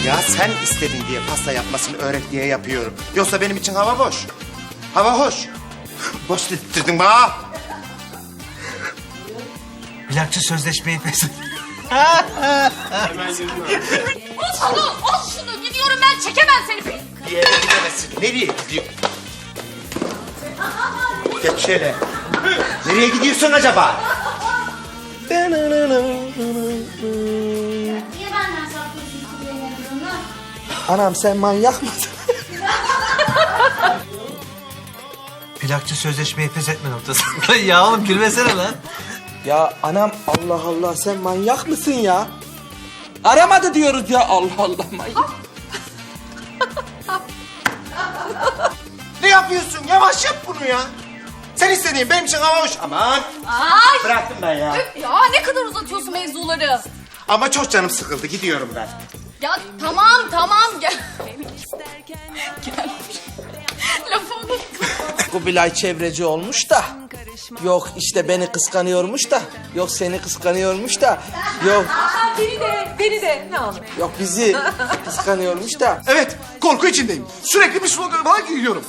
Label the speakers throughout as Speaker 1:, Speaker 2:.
Speaker 1: Ya sen istedin diye pasta yapmasını öğret diye yapıyorum. Yoksa benim için hava boş. Hava hoş. Boş dedirttin bana.
Speaker 2: Plakçı sözleşmeyi pes et.
Speaker 3: Al şunu. Gidiyorum ben. Çekemem seni.
Speaker 1: Bir yere gidemezsin. Nereye gidiyorsun? Geç şöyle. Nereye gidiyorsun acaba?
Speaker 3: Niye benden saklıyorsun kuleyi?
Speaker 4: Anam sen manyak mısın?
Speaker 2: Plakçı sözleşmeyi pes etme noktasında. Ya oğlum gülmesene lan.
Speaker 4: Ya anam Allah Allah sen manyak mısın ya? Aramadı diyoruz ya Allah Allah manyak.
Speaker 1: Ne yapıyorsun? Yavaş yap bunu ya. Sen istediğin benim için hava hoş. Aman.
Speaker 3: Ay.
Speaker 1: Bıraktım ben ya.
Speaker 3: Ya ne kadar uzatıyorsun mevzuları.
Speaker 1: Ama çok canım sıkıldı. Gidiyorum ben.
Speaker 3: Ya tamam gel. Gel. Lafı unuttum.
Speaker 4: Kubilay çevreci olmuş da. Yok işte beni kıskanıyormuş da. Yok seni kıskanıyormuş da. Yok
Speaker 5: Beni de ne olur.
Speaker 4: yok bizi kıskanıyormuş da.
Speaker 6: Evet, korku içindeyim. Sürekli bir slogan falan giyiyorum.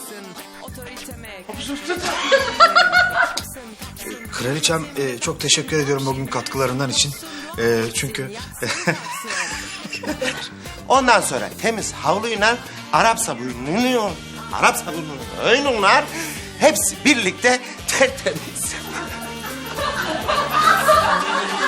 Speaker 6: Kraliçem çok teşekkür ediyorum bugün katkılarından için. Çünkü
Speaker 1: Ondan sonra temiz havluyla Arap sabununu, oyunlar hepsi birlikte tertemiz.